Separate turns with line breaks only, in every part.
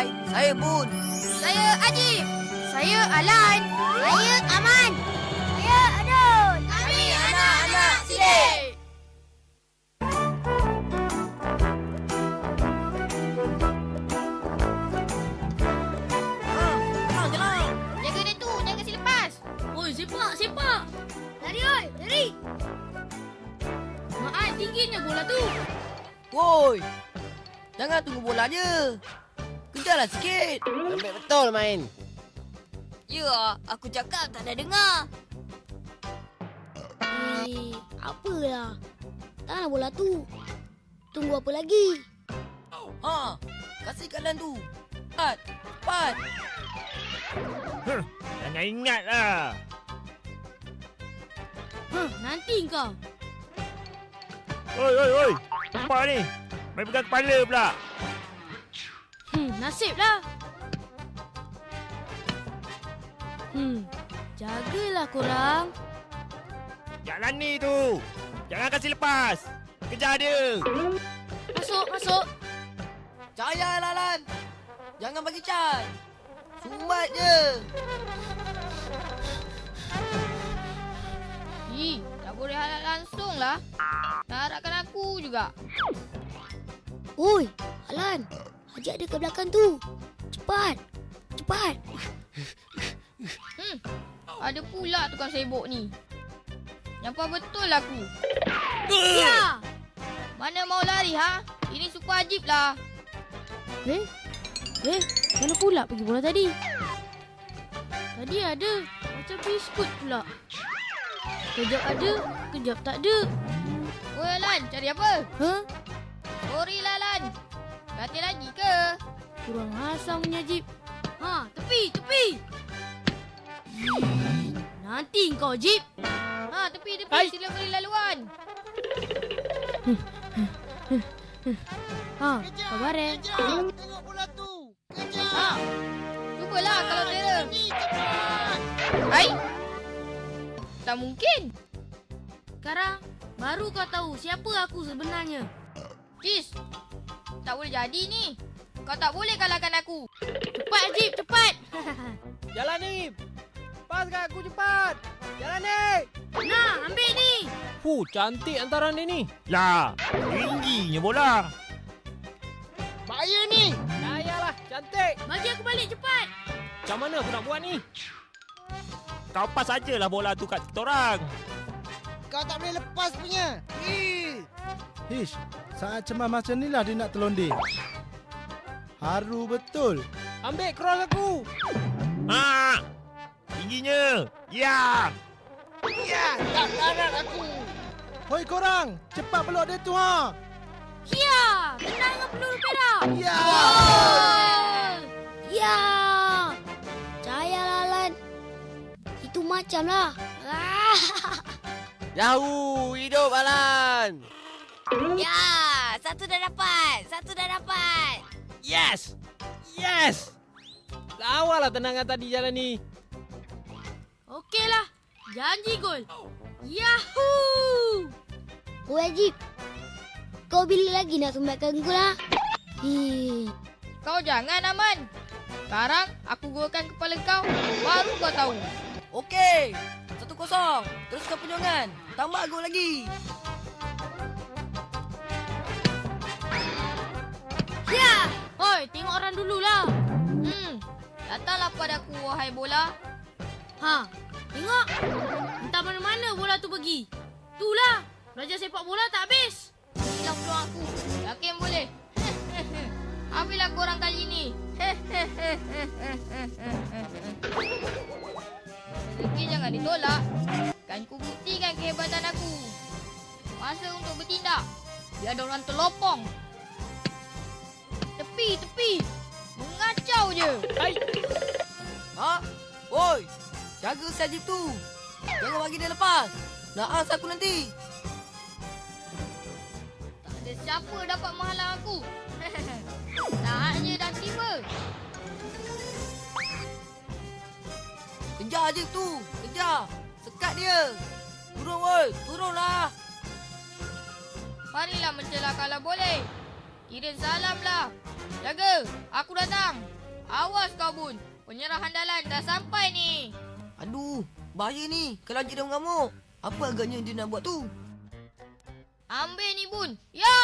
Hai, saya Bun.
Saya Ajib. Saya Alan. Saya Aman. Saya Adul. Kami anak-anak Sidik.
Jalan.
Jaga dia tu, jangan kasi lepas.
Oi, sepak.
Lari, oi, lari.
Mak Ai, tingginya bola tu.
Woi, jangan tunggu bola je. Kejarlah sikit.
Sampai betul main.
Ya, aku cakap tak ada dengar.
Apalah. Taklah bola tu. Tunggu apa lagi?
Ha, kasih kat Lan tu. Cepat, cepat.
Jangan ingatlah.
Nanti kau.
Oi. Apa ni? Main pegang kepala pula.
Nasiblah. Jagalah korang.
Jalan ni tu. Jangan kasih lepas. Kejar dia.
Masuk.
Jaya Lan. Jangan bagi can. Sumbat je.
Tak boleh halal langsung lah. Nak harapkan aku juga.
Oi, Alan. Ajak dia ke belakang tu. Cepat.
Ada pula tukang sibuk ni. Nampak betul aku.
Ya.
Mana mau lari, ha? Ini suku Ajib lah.
Mana pula pergi bola tadi? Tadi ada. Macam biskut pula. Kejap ada, kejap tak ada.
Oi, Alan, cari apa? Sorry lah, Alan. Berhati lagi ke?
Kurang asam punya Jip. Tepi. Nanti kau Jip.
Tepi.
Hai.
Sila beri laluan.
Sabar eh.
Tengok bola tu. Kejar.
Cubalah kalau terror.
Cepat.
Hai. Tak mungkin.
Sekarang, baru kau tahu siapa aku sebenarnya.
Jis. Tak boleh jadi ni. Kau tak boleh kalahkan aku.
Cepat Jip, cepat.
Jalan ni. Pas kat aku cepat. Jalan ni.
Nah, ambil ni.
Cantik antara ni.
Lah, tingginya bola.
Bahaya ni. Dayalah, cantik.
Bagi aku balik cepat.
Macam mana aku nak buat ni?
Kau pas sajalah bola tu kat kita orang.
Kau tak boleh lepas punya.
Hish, saat cemas macam ni lah dia nak terlondeh. Haru betul.
Ambil cross aku.
Tingginya. Ya.
Tak larat aku.
Hoi korang, cepat peluk dia tu ha.
Ya, kena dengan peluru perak.
Ya.
Ya. Jaya Alan. Itu macam lah.
Yahoo, hidup Alan.
Ya, satu dah dapat.
Yes. Lawalah tenangan tadi jalan ni.
Okeylah. Janji gol. Yahoo!
Oi Ajib. Kau bila lagi nak sumbatkan gol lah?
Kau jangan, Aman. Sekarang aku golkan kepala kau. Baru kau tahu.
Okey. 1-0. Teruskan perjuangan. Tambah gol lagi.
Ya!
Oi, tengok orang dululah.
Datanglah padaku, wahai bola.
Tengok. Entah mana-mana bola tu pergi. Itulah. Belajar sepak bola tak habis.
Hilang peluang aku. Yakin boleh. Ambillah korang kali ini. Rezeki jangan ditolak. Kan ku buktikan kehebatan aku. Masa untuk bertindak. Biar ada orang terlopong. Tepi. Mengacau je.
Ha? Woi, jaga si Ajib tu. Jangan bagi dia lepas. Nak as aku nanti.
Tak ada siapa dapat menghalang aku. Saatnya dah tiba.
Kejar Ajib tu. Kejar. Sekat dia. Turun woi. Turunlah.
Marilah mencela kalau boleh. Kirim salam lah. Jaga, aku datang. Awas kau Bun. Penyerah handalan dah sampai ni.
Aduh, bahaya ni. Kalau Haji dah mengamuk. Apa agaknya dia nak buat tu?
Ambil ni Bun. Ya!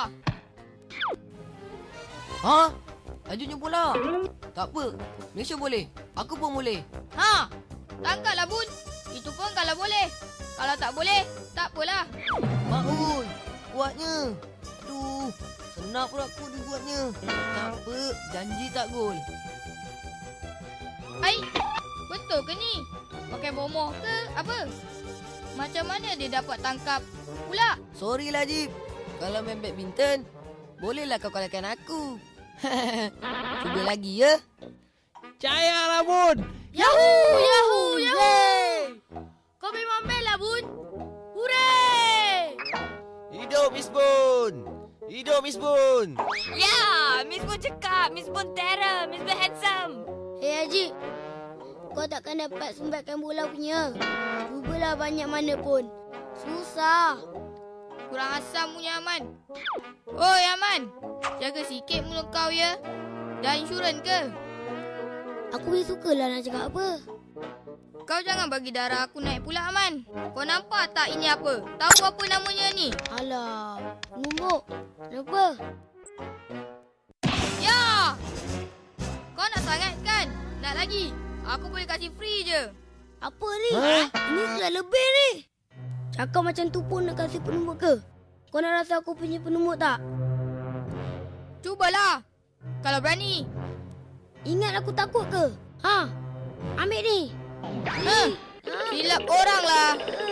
Ha? Lajunya pula. Tak apa. Malaysia boleh. Aku pun boleh.
Ha! Tangkaplah Bun. Itu pun kalau boleh. Kalau tak boleh, tak apalah.
Mak oi. Kuatnya. Aduh. Senang pula aku dibuatnya. Tak apa. Janji tak gol.
Hai, betul ke ni? Pakai bomoh ke apa? Macam mana dia dapat tangkap pula?
Sorry lah, Jip. Kalau main badminton, bolehlah kau kalahkan aku. Cuba lagi, ya?
Percayalah, Bun.
Yahoo! Yahoo! Yahoo! Kau memang best lah, Bun. Hooray!
Hidup Miss Bun! Hidup Miss Bun!
Ya, Miss Bun cakap. Miss Bun terror. Miss Bun handsome.
Haji, kau takkan dapat sumbatkan bola punya. Cubalah banyak mana pun. Susah.
Kurang asam punya Aman. Oi Aman, jaga sikit mulut kau ya. Dah insurans ke?
Aku ni sukalah nak cakap apa.
Kau jangan bagi darah aku naik pula Aman. Kau nampak tak ini apa? Tahu apa namanya ni?
Alah, numbuk. Kenapa?
Ya! Kau nak sangat kan? Nak lagi? Aku boleh kasih free je.
Apa ni? Ini sudah lebih ni. Cakap macam tu pun nak kasih penumbuk ke? Kau nak rasa aku punya penumbuk tak?
Cubalah. Kalau berani.
Ingat aku takut ke? Ha? Ambil ni.
Silap orang lah.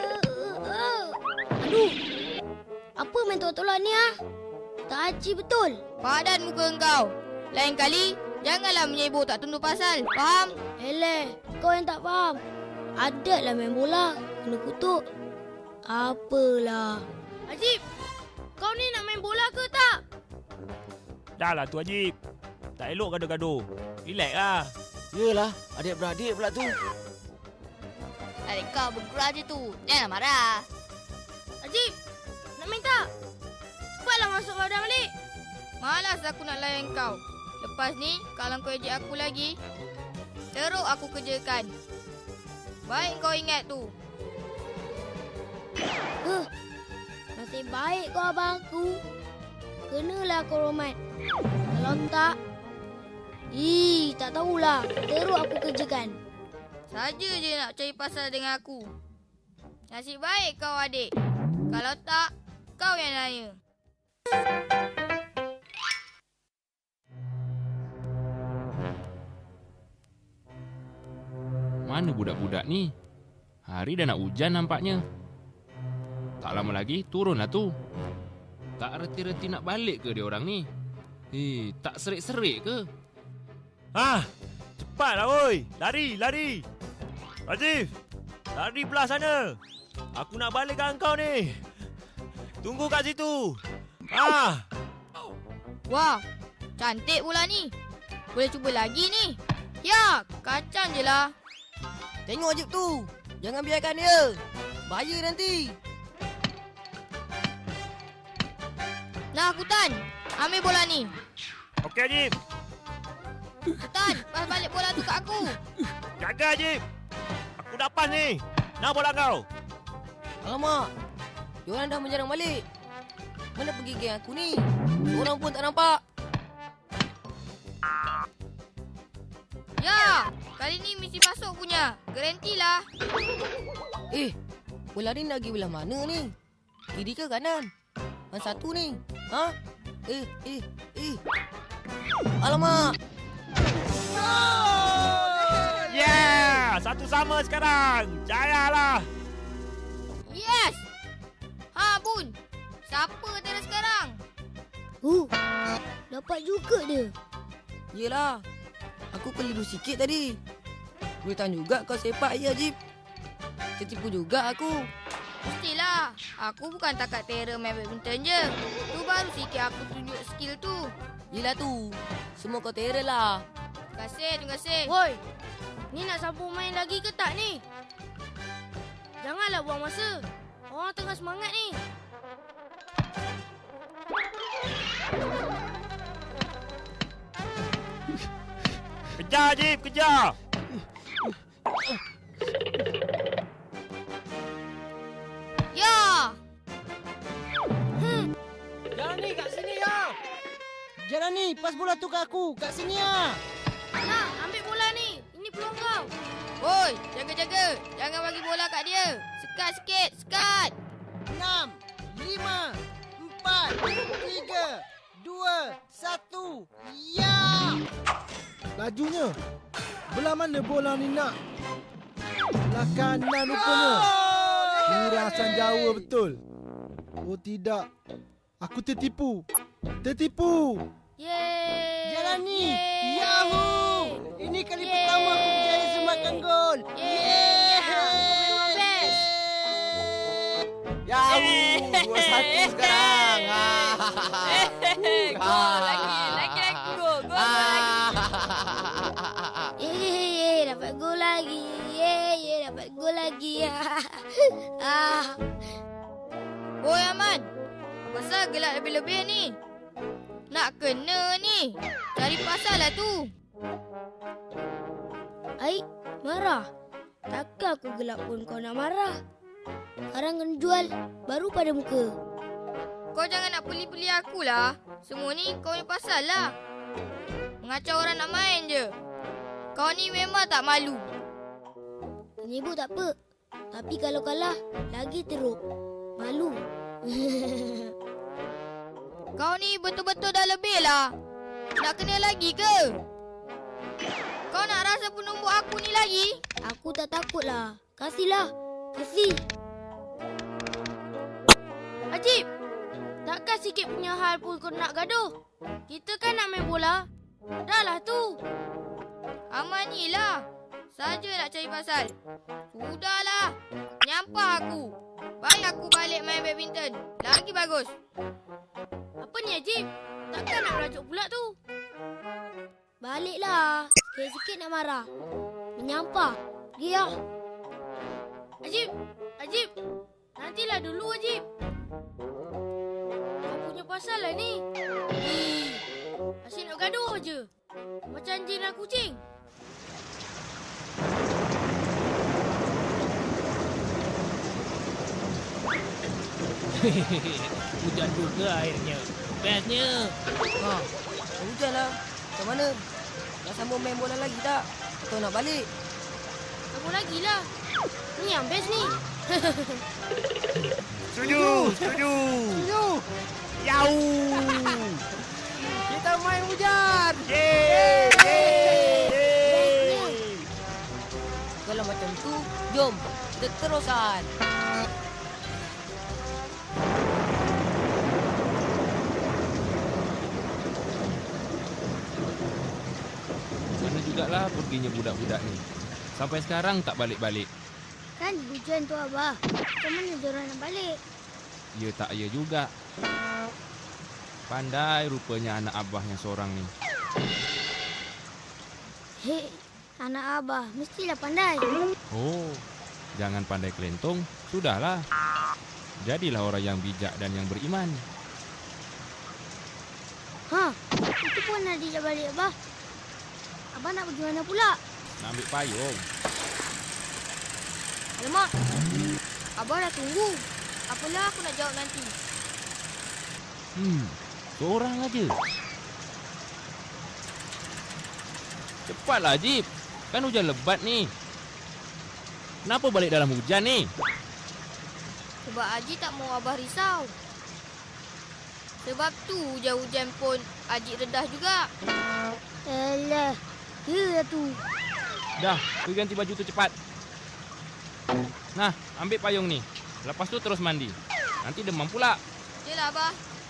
Aduh. Apa main tolak-tolak ni ah? Tak haji betul.
Padan muka engkau. Lain kali, janganlah menyebut tak tunduk pasal. Faham?
Eleh, kau yang tak faham. Adatlah main bola. Kena kutuk. Apalah.
Ajib, kau ni nak main bola ke tak?
Dah lah tu Ajib. Tak elok gaduh-gaduh. Relax lah.
Yelah, adik-beradik pula tu.
Adik kau bergerak je tu. Jangan marah.
Ajib, nak main tak? Cepatlah masuk badan balik.
Malas aku nak layan kau. Lepas ni, kalau kau ejek aku lagi, teruk aku kerjakan. Baik kau ingat tu.
Nasib baik kau abang aku. Kenalah kau hormat. Kalau tak, tak tahulah. Teruk aku kerjakan.
Saja je nak cari pasal dengan aku. Nasib baik kau adik. Kalau tak, kau yang nanya.
Mana budak-budak ni? Hari dah nak hujan nampaknya. Tak lama lagi turunlah tu. Tak reti-reti nak balik ke dia orang ni? Tak serik-serik ke?
Cepatlah oi. Lari, lari. Rajiv, lari belah sana. Aku nak balik kat kau ni. Tunggu kat situ.
Wah, cantik pula ni. Boleh cuba lagi ni. Ya, kacang je lah.
Tengok Ajib tu. Jangan biarkan dia. Bahaya nanti.
Nah, Kutan. Ambil bola ni.
Okey Ajib.
Kutan, pas balik bola tu kat aku.
Jaga Ajib. Aku dah pas ni. Nak bola kau.
Alamak. Diorang dah menyerang balik. Mana pergi geng aku ni? Orang pun tak nampak.
Ya, kali ni mesti masuk punya. Garantilah.
Bola ni nak pergi belah mana ni? Kiri ke kanan? Yang satu ni. Ha? Alamak.
Yeah! Satu sama sekarang. Jayalah.
Yes! Ha, Bun. Siapa teras sekarang?
Dapat juga dia.
Yelah. Aku keliru sikit tadi. Boleh tahan juga kau sepak je, Ajib. Tertipu juga aku.
Mestilah. Aku bukan takat terror main badminton je. Tu baru sikit aku tunjuk skill tu.
Yelah tu. Semua kau terror lah.
Terima kasih.
Woi, ni nak sambung main lagi ke tak ni? Janganlah buang masa. Orang tengah semangat ni.
Kejar, Ajib, kejar!
Ya!
Jalan ni kat sini ya. Jalan ni, pas bola tu kat aku. Kat sini ya.
Nak, ambil bola ni. Ini peluang kau.
Woi, jaga-jaga. Jangan bagi bola kat dia. Sekat sikit, sekat.
6, 5, 4, 3, 2, 1. Ya!
Lajunya. Belah mana bola ni nak? Belah kanan rupanya. Kurasan Jawa betul. Oh tidak. Aku tertipu. Tertipu.
Yeay.
Jalan ni.
Yeay.
Yahoo! Ini kali pertama aku berjaya semakan gol.
Yeay. Kau memang best.
Yahoo! 2-1 sekarang.
Gol lagi. Lagi gol. Gol lagi.
Dapat gol lagi. Dapat gol lagi.
Woi, Aman. Pasal gelak lebih-lebih ni? Nak kena ni. Cari pasal lah tu.
Aik, marah. Takkan aku gelak pun kau nak marah. Sekarang kena jual. Baru pada muka.
Kau jangan nak peli-peli aku lah. Semua ni kau punya pasal lah. Mengacau orang nak main je. Kau ni memang tak malu.
Menyibuk tak apa. Tapi kalau kalah, lagi teruk. Malu.
Kau ni betul-betul dah lebih lah. Nak kena lagi ke? Kau nak rasa penumbuk aku ni lagi?
Aku tak takut lah. Kasihlah. Kasih.
Ajib. Takkan sikit punya hal pun kau nak gaduh? Kita kan nak main bola. Dah lah tu.
Aman ni lah. Saja nak cari pasal. Sudahlah. Nyampah aku. Baik aku balik main badminton. Lagi bagus.
Apa ni Ajib? Takkan nak merajuk pula tu?
Baliklah. Sikit-sikit nak marah. Menyampah. Pergi lah.
Ajib. Ajib. Nantilah dulu Ajib. Kau punya pasal lah ni. Asyik nak gaduh je. Macam jin dan kucing.
Hujan juga airnya. Bestnya.
Hujan lah. Macam mana? Nak sambung main bola lagi tak? Atau nak balik?
Kamu lagi lah. Ni yang best ni.
Setuju! Setuju!
Setuju.
Yahoo!
Kita main hujan.
Yeay! Yeay!
Kalau macam tu, jom. Kita teruskan.
Mana jugalah perginya budak-budak ni. Sampai sekarang tak balik-balik.
Kan hujan tu Abah. Macam mana diorang nak balik?
Ya tak ya juga. Pandai rupanya anak abah yang seorang ni.
Hei, anak Abah. Mestilah pandai.
Oh, jangan pandai kelentong. Sudahlah. Jadilah orang yang bijak dan yang beriman.
Itu pun nak dijak balik Abah. Abah nak pergi mana pula?
Nak ambil payung.
Alamak. Abah dah tunggu. Apalah aku nak jawab nanti.
Seorang aja. Cepatlah, Ajib. Kan hujan lebat ni. Kenapa balik dalam hujan ni?
Sebab Haji tak mau Abah risau. Sebab tu hujan-hujan pun Haji redah juga.
Alah. Ya tu.
Dah, pergi ganti baju tu cepat. Nah, ambil payung ni. Lepas tu terus mandi. Nanti demam pula.
Yelah Abah.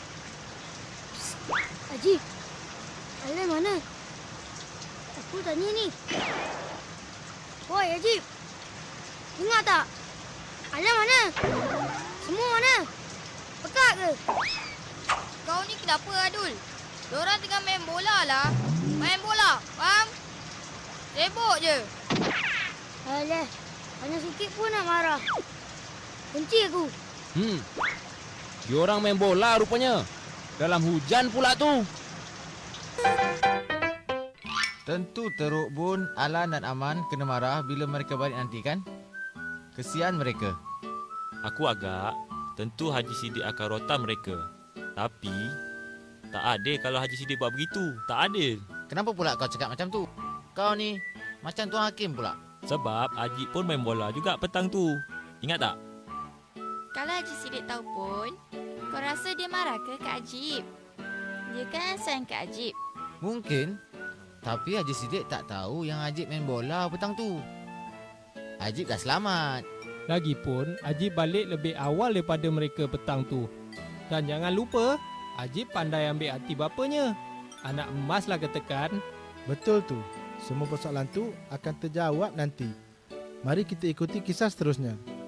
Haji. Alah mana? Aku tanya ni. Woi Haji. Dengar tak? Alah mana? Semua mana? Pekat ke?
Kau ni kenapa Adul? Diorang tengah main bola lah. Main bola, faham? Sibuk je.
Alah. Hanya sikit pun nak marah. Benci aku.
Diorang main bola rupanya. Dalam hujan pula tu.
Tentu Teruk Bun, Alan dan Aman kena marah bila mereka balik nanti kan? Kesian mereka.
Aku agak, tentu Haji Sidik akan rotan mereka. Tapi, tak adil kalau Haji Sidik buat begitu. Tak adil.
Kenapa pula kau cakap macam tu? Kau ni macam Tuan Hakim pula.
Sebab Haji pun main bola juga petang tu. Ingat tak?
Kalau Haji Sidik tahu pun, kau rasa dia marah ke Kak Ajib? Dia kan sayang Kak Ajib.
Mungkin. Tapi Haji Sidik tak tahu yang Ajib main bola petang tu. Ajib dah selamat.
Lagipun, Ajib balik lebih awal daripada mereka petang tu. Dan jangan lupa, Ajib pandai ambil hati bapanya. Anak emas lah katakan.
Betul tu. Semua persoalan tu akan terjawab nanti. Mari kita ikuti kisah seterusnya.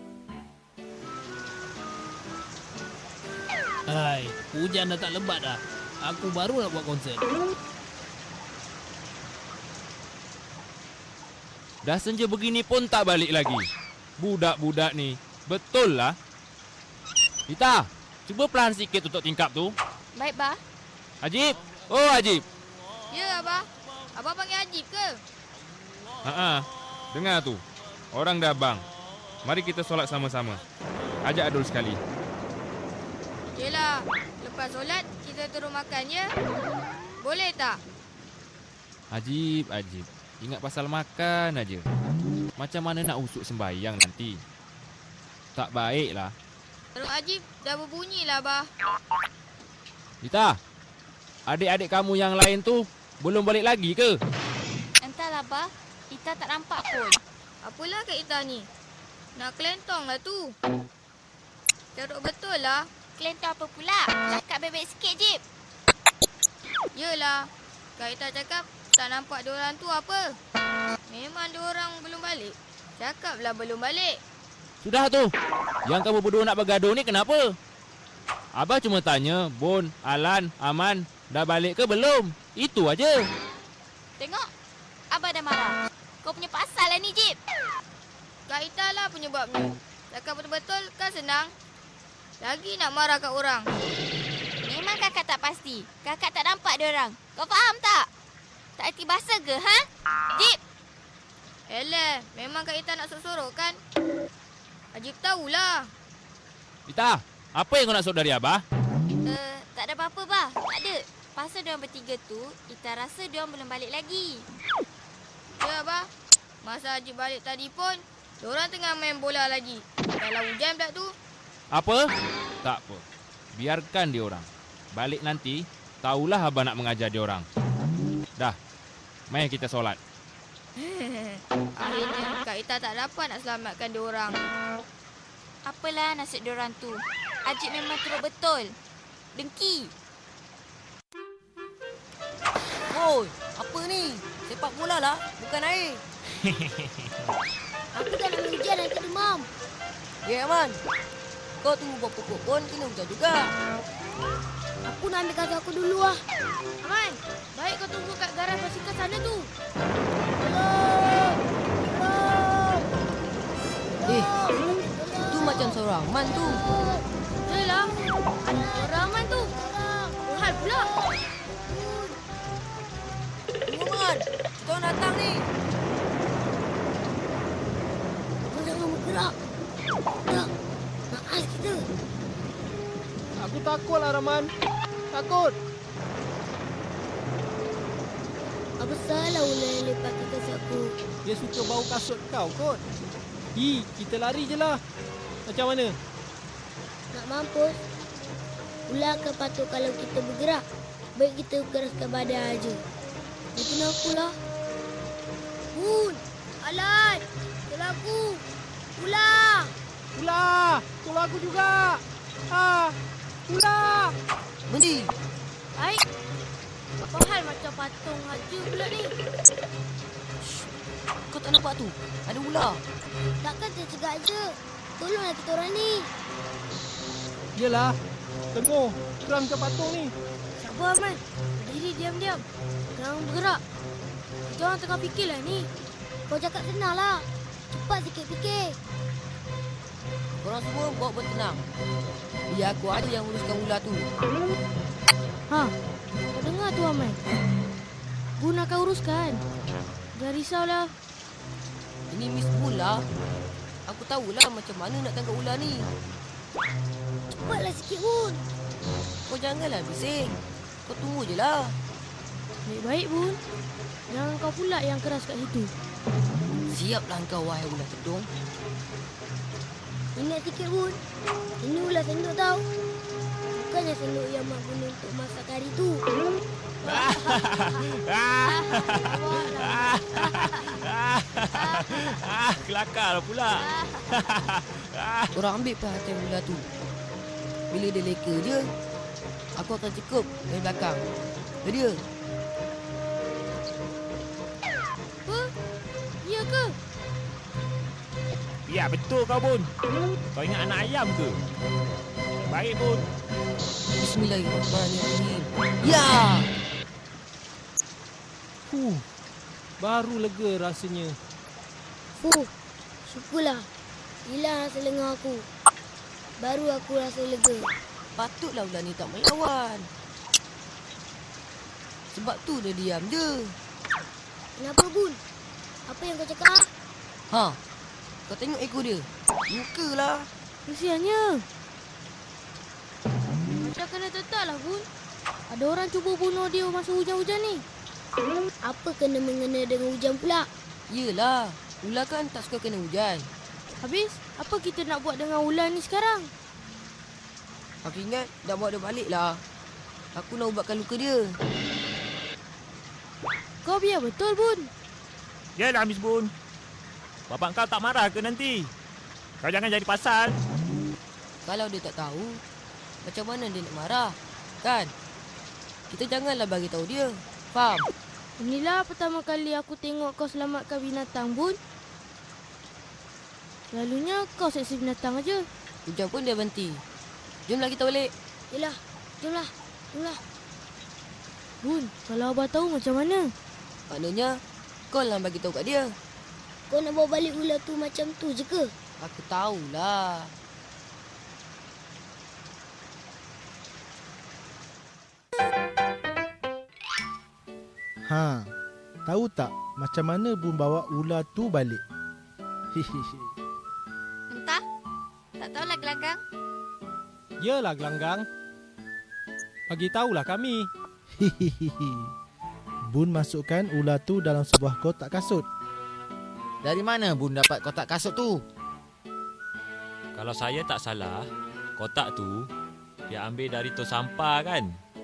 Hai, hujan dah tak lebat dah. Aku baru nak buat konsert.
Dah senja begini pun tak balik lagi. Budak-budak ni. Betul lah. Rita, cuba pelan sikit untuk tingkap tu.
Baik, Bah.
Ajib. Oh, Ajib.
Ya, Abah. Abah panggil Ajib ke?
Haa, dengar tu. Orang dah bang. Mari kita solat sama-sama. Ajak Adul sekali.
Yelah, lepas solat kita turun makan ya. Boleh tak?
Ajib, Ajib. Ingat pasal makan aja. Macam mana nak usuk sembahyang nanti? Tak baiklah.
Teruk Ajib dah berbunyi lah, Abah.
Rita, adik-adik kamu yang lain tu belum balik lagi ke?
Entahlah, Abah. Ita tak nampak pun. Apalah kat Ita ni? Nak kelentong lah tu. Teruk betul lah.
Kelentong apa pula? Cakap bebek sikit, Jip.
Yelah. Kak Ita cakap tak nampak diorang tu apa. Memang diorang belum balik. Cakaplah belum balik.
Sudah tu. Yang kamu berdua nak bergaduh ni kenapa? Abah cuma tanya, Bon, Alan, Aman dah balik ke belum? Itu aja.
Tengok. Abah dah marah. Kau punya pasal lah ni, Jip.
Kak Ita lah penyebabnya. Cakap betul-betul kan senang. Lagi nak marah kat orang.
Memang kakak tak pasti. Kakak tak nampak diorang. Kau faham tak? Tak erti bahasa ke, ha? Jip!
Eleh, memang Kak Ita nak sorok-sorok kan? Ajib tahulah.
Rita, apa yang kau nak sorok dari Abah?
Tak ada apa-apa, Bah. Tak ada. Pasal diorang bertiga tu, Ita rasa diorang belum balik lagi.
Ya, Abah. Masa Ajib balik tadi pun, diorang tengah main bola lagi. Dalam hujan pula tu.
Apa? Tak apa. Biarkan dia orang. Balik nanti, tahulah Abah nak mengajar dia orang. Dah, mari kita solat.
Akhirnya Kak Ita tak dapat nak selamatkan dia orang.
Apalah nasib diorang tu. Ajib memang teruk betul. Dengki.
Oi, apa ni? Sepak bola lah, bukan air.
Aku tak nak hujan nanti demam.
Ya, Aman. Kau tunggu buat pokok pun kena hujan juga.
Aku nak ambil kaki aku dulu lah.
Aman, baik kau tunggu kat garaj basikal sana tu.
Itu macam seorang Aman tu.
Yelah, orang Aman tu. Berhal pula.
Tunggu, Man. Kita orang datang ni.
Kau jangan bergerak. Tak. Naas kita.
Aku takut lah, Rahman. Takut.
Apa salah ular yang lepas ke kasut aku?
Dia suka bau kasut kau kot. Kita lari je lah. Macam mana?
Nak mampus. Ular akan patut kalau kita bergerak. Baik kita geraskan badan aja. Bikin aku lah. Bun! Alan! Tolong aku! Ular!
Ular! Tolong aku juga! Ular!
Berhenti.
Baik. Apa hal macam patung haji pula ni?
Kau tak nampak tu? Ada ular.
Takkan tercegak je. Tolonglah kita orang ni.
Yelah. Tengok. Keram macam patung ni.
Sabar, Aman. Berdiri diam-diam. Jangan bergerak. Kita orang tengah fikirlah ni.
Kau cakap senang lah. Cepat sikit fikir.
Korang semua bawa bertenang. Biar aku ada yang uruskan ular tu.
Ha, kau dengar tu, Aman? Bun akan uruskan. Jangan risaulah.
Ini Miss Bun lah. Aku tahulah macam mana nak tangkap ular ni.
Cepatlah sikit, Bun.
Kau janganlah bising. Kau tunggu je lah.
Baik-baik, Bun. Jangan kau pula yang keras kat situ.
Siaplah kau, wahai ular tedung.
Ingat sikit, Bun. Ini ular sendok tau. Bukannya sendok yang mak guna untuk masak kari tu.
Kelakar pula.
Orang ambil perhatian ular tu. Bila dia leka je, aku akan cekup dari belakang. Dia.
Apa? Ya ke?
Ya, betul kau, Bun. Kau ingat anak ayam ke? Baik, Bun.
Bismillahirrahmanirrahim. Ya!
Baru lega rasanya.
Syukurlah. Hilang rasa lengah aku. Baru aku rasa lega.
Patutlah ular ni tak melawan. Sebab tu dia diam je.
Kenapa, Bun? Apa yang kau cakap?
Ha? Kau tengok ekor dia. Mukalah.
Kesiannya. Macam kena tetaklah, Bun. Ada orang cuba bunuh dia masa hujan-hujan ni.
Apa kena-mengena dengan hujan pula?
Yelah. Ular kan tak suka kena hujan.
Habis, apa kita nak buat dengan ular ni sekarang?
Aku ingat dah bawa dia balik lah. Aku nak ubatkan luka dia.
Kau biar betul, Bun.
Yalah, Miss Bun. Bapak kau tak marah ke nanti? Kau jangan jadi pasal.
Kalau dia tak tahu, macam mana dia nak marah? Kan? Kita janganlah bagi tahu dia. Faham?
Inilah pertama kali aku tengok kau selamatkan binatang, Bun. Selalunya kau seksa binatang aja.
Hujan pun dia berhenti. Jomlah kita balik.
Yelah, jomlah.
Bun, kalau abah tahu macam mana?
Maknanya, kau lah bagi tahu kat dia.
Kau nak bawa balik ular tu macam tu je ke?
Aku tahulah.
Tahu tak macam mana Bun bawa ular tu balik? Hihihi.
Entah. Tak tahulah gelanggang.
Yalah, gelanggang. Bagi tahulah kami.
Hihihi. Bun masukkan ular tu dalam sebuah kotak kasut.
Dari mana Bun dapat kotak kasut tu?
Kalau saya tak salah, kotak tu dia ambil dari tong sampah kan?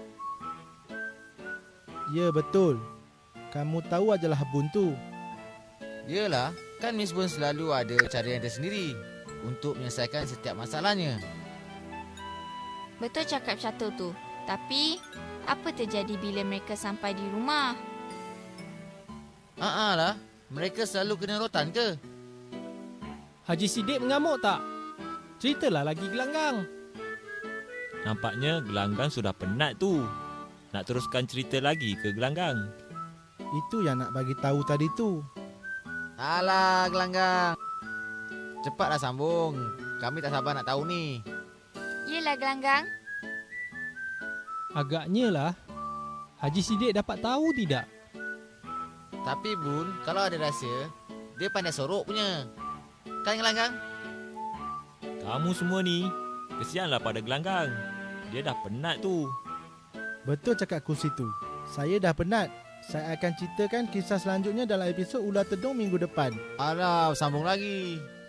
Ya, betul. Kamu tahu ajalah Bun tu.
Yalah, kan Miss Bun selalu ada cara yang tersendiri untuk menyelesaikan setiap masalahnya.
Betul cakap Catur tu. Tapi, apa terjadi bila mereka sampai di rumah?
Lah, mereka selalu kena rotan ke?
Haji Sidik mengamuk tak? Ceritalah lagi, gelanggang.
Nampaknya gelanggang sudah penat tu. Nak teruskan cerita lagi ke gelanggang?
Itu yang nak bagi tahu tadi tu.
Alah, gelanggang. Cepatlah sambung. Kami tak sabar nak tahu ni.
Yelah gelanggang.
Agaknya lah. Haji Sidik dapat tahu tidak?
Tapi Bun, kalau ada rahsia, dia pandai sorok punya. Kan gelanggang?
Kamu semua ni, kesianlah pada gelanggang. Dia dah penat tu.
Betul cakap kursi tu. Saya dah penat. Saya akan ceritakan kisah selanjutnya dalam episod Ular Tedung minggu depan.
Alah, sambung lagi.